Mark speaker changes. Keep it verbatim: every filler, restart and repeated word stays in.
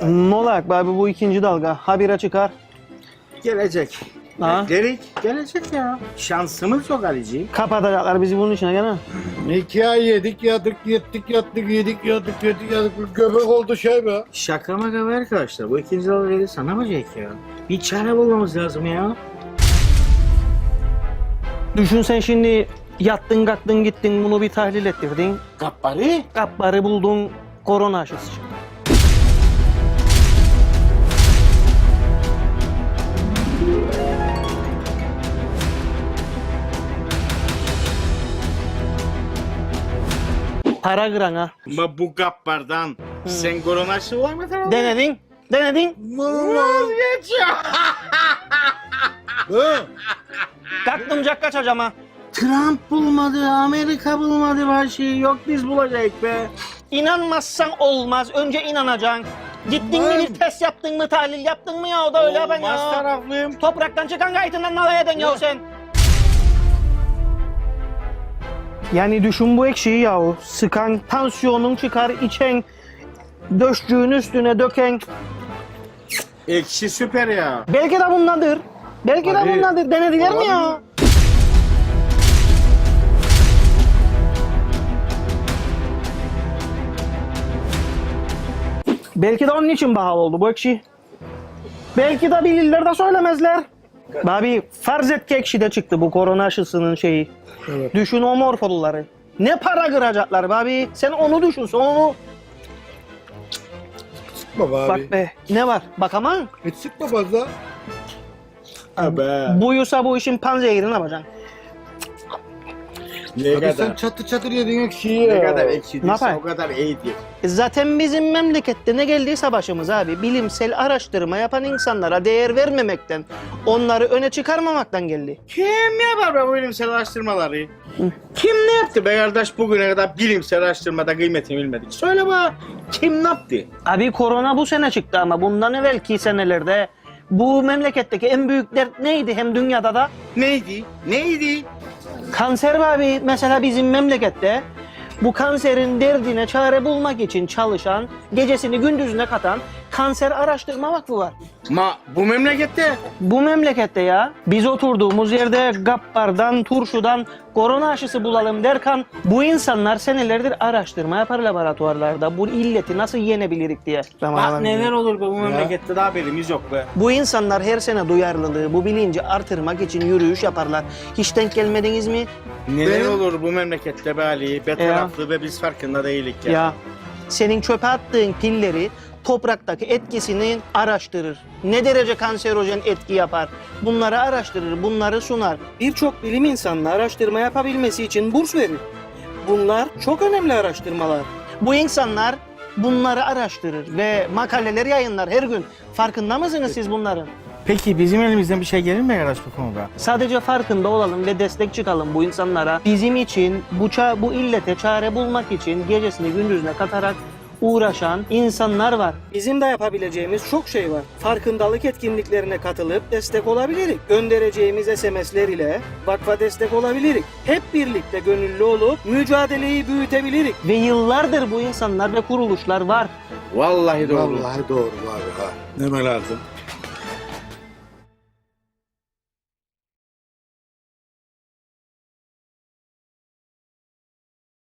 Speaker 1: Ne olacak abi bu ikinci dalga? Habire çıkar.
Speaker 2: Gelecek.
Speaker 1: Ha?
Speaker 2: Gerek gelecek ya. Şansımız yok Ali'ciğim.
Speaker 1: Kapatacaklar bizi bunun içine gene.
Speaker 3: İki ay yedik yadık yettik yattık yedik yadık yedik yadık. Göbek oldu şey be.
Speaker 2: Şaka maka be arkadaşlar. Bu ikinci dalga gelirse ne yapacak ya? Bir çare bulmamız lazım ya.
Speaker 1: Düşün sen şimdi yattın kalktın gittin bunu bir tahlil ettirdin.
Speaker 2: Gappari.
Speaker 1: Kapları buldun korona aşısı çıktı. Para kıran ha.
Speaker 2: Ama bu gappardan sen koronaşı var mı tamam?
Speaker 1: Denedin, denedin.
Speaker 2: Vazgeç ya.
Speaker 3: He?
Speaker 1: Kalktım cak kaçacağım ha.
Speaker 2: Trump bulmadı, Amerika bulmadı her şeyi. Yok biz bulacak be.
Speaker 1: İnanmazsan olmaz. Önce inanacaksın. Gittin mi bir test yaptın mı, tahlil yaptın mı ya o da öyle yapan
Speaker 2: Olmaz
Speaker 1: ya.
Speaker 2: taraflıyım.
Speaker 1: Topraktan çıkan gayetinden nalay eden ya sen. Yani düşün bu ekşiyi yahu. Sıkan, tansiyonun çıkar, içen, döşcüğün üstüne döken.
Speaker 2: Ekşi süper ya.
Speaker 1: Belki de bundandır. Belki de
Speaker 3: Abi,
Speaker 1: bundandır. Denediler mi ya? Belki de onun için pahalı oldu bu ekşi. Belki de bilirler de söylemezler. Abi farz et ki ekşi de çıktı bu korona aşısının şeyi.
Speaker 3: Evet.
Speaker 1: Düşün o morfolları. Ne para kıracaklar be abi. Sen onu düşün sen onu.
Speaker 3: Sıkma be abi.
Speaker 1: Bak be ne var bak ama
Speaker 3: Hiç sıkma fazla.
Speaker 2: Abi.
Speaker 1: buyursa bu işin panzehirini yapacaksın.
Speaker 2: Ne
Speaker 3: Abi
Speaker 2: kadar?
Speaker 3: sen çatır çatır yedin ekşiyi
Speaker 2: Ne
Speaker 3: ya.
Speaker 2: kadar ekşi
Speaker 1: Ne
Speaker 2: değilse
Speaker 1: yapayım?
Speaker 2: o kadar iyidir.
Speaker 1: E Zaten bizim memlekette ne geldiyse başımız abi bilimsel araştırma yapan insanlara değer vermemekten, onları öne çıkarmamaktan geldi.
Speaker 2: Kim yapar be bu bilimsel araştırmaları? Kim ne yaptı be kardeş bugüne kadar bilimsel araştırmada kıymetini bilmedik? Söyle bana kim ne yaptı?
Speaker 1: Abi korona bu sene çıktı ama bundan evvelki senelerde bu memleketteki en büyük dert neydi hem dünyada da?
Speaker 2: Neydi? Neydi?
Speaker 1: Kanser be abi mesela bizim memlekette bu kanserin derdine çare bulmak için çalışan, gecesini gündüzüne katan Kanser Araştırma Vakfı var.
Speaker 2: Ma bu memlekette
Speaker 1: Bu memlekette ya biz oturduğumuz yerde gappardan, turşudan korona aşısı bulalım derken bu insanlar senelerdir araştırma yapar laboratuvarlarda bu illeti nasıl yenebilirik diye.
Speaker 2: bak neler olur be bu memlekette de haberimiz yok be.
Speaker 1: Bu insanlar her sene duyarlılığı, bu bilinci artırmak için yürüyüş yaparlar. Hiç denk gelmediniz mi?
Speaker 2: Neler
Speaker 3: Benim-
Speaker 2: olur bu memlekette be Ali? Be taraflı ve biz farkında değilik ya.
Speaker 1: Ya senin çöpe attığın pilleri topraktaki etkisini araştırır. Ne derece kanserojen etki yapar? Bunları araştırır, bunları sunar. Birçok bilim insanı araştırma yapabilmesi için burs verir. Bunlar çok önemli araştırmalar. Bu insanlar bunları araştırır ve makaleler yayınlar her gün. Farkında mısınız siz bunların?
Speaker 2: Peki bizim elimizden bir şey gelir mi arkadaş bu konuda?
Speaker 1: Sadece farkında olalım ve destek çıkalım bu insanlara. Bizim için bu ça- bu illete çare bulmak için gecesini gündüzüne katarak uğraşan insanlar var. Bizim de yapabileceğimiz çok şey var. Farkındalık etkinliklerine katılıp destek olabiliriz. Göndereceğimiz S M S'ler ile vakfa destek olabiliriz. Hep birlikte gönüllü olup mücadeleyi büyütebiliriz. Ve yıllardır bu insanlar ve kuruluşlar var.
Speaker 2: Vallahi doğru.
Speaker 3: Vallahi doğru abi ha. Deme lazım.